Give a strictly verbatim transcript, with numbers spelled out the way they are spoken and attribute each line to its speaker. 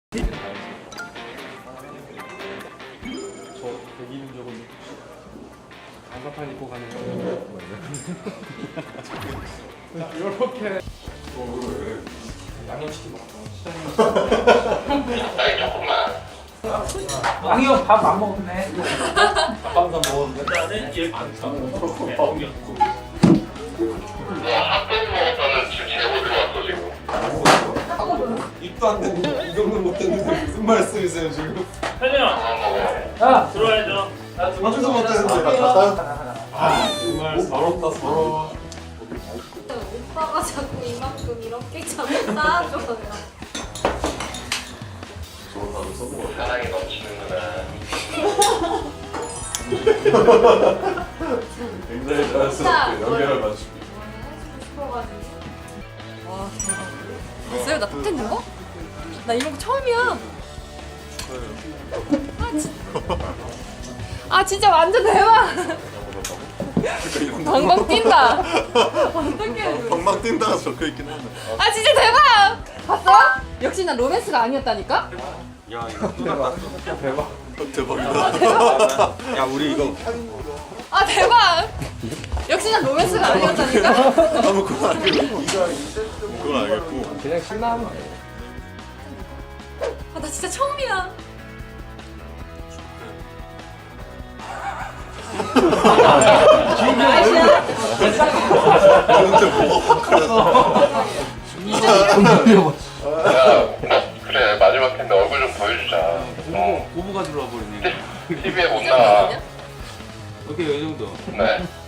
Speaker 1: 저 백이는 적은 장사판 입고 가는 거. 이렇게 양념치킨 먹어.
Speaker 2: 왕이 형 밥 안 먹었네.
Speaker 1: 밥 한 잔 먹었는데.
Speaker 2: 나는 일 안 사.
Speaker 3: 학교에서는 지금 제보 들어왔어 지금.
Speaker 1: 입도 안 되고 이 정도 못 됐는데 무슨 말씀이세요 지금?
Speaker 2: 현영,
Speaker 1: 야,
Speaker 2: 들어와야죠.
Speaker 1: 아무도 못 됐는데. 아 정말 서럽다 서러워.
Speaker 4: 오빠가 자꾸 이만큼 이렇게 자꾸 쌓아줘요.
Speaker 3: 사랑이 넘치는구나.
Speaker 1: 굉장히
Speaker 4: 진짜
Speaker 1: 자연스럽게 연결을 맞추고.
Speaker 4: 해주고 싶어가지고.
Speaker 5: 와 대박. 봤어요? 나 탑텐 된 거? 나 이런 거 처음이야. 아, 진... 아 진짜 완전 대박. 방방 뛴다. 어떡해.
Speaker 6: 방방 뛴다가 적혀있긴 한데.
Speaker 5: 아 진짜 대박. 봤어? 역시 난 로맨스가 아니었다니까?
Speaker 6: 야 이거 또 났다.
Speaker 1: 대박.
Speaker 6: 대박이다. 야 우리 이거
Speaker 5: 아 대박. 역시 난 로맨스가 아니었다니까?
Speaker 6: 아무 그건 알겠고 그건 알겠고
Speaker 1: 그냥 신나는 거.
Speaker 5: 아 나 진짜 처음이야.
Speaker 6: 진짜 뭐가 확 그래서
Speaker 3: 그래 마지막 텐데 얼굴 좀 보여주자. 어.
Speaker 1: 고부가 들어와 버리네.
Speaker 3: 티비에 못 나와.
Speaker 1: 오케이 이 정도.
Speaker 3: 네.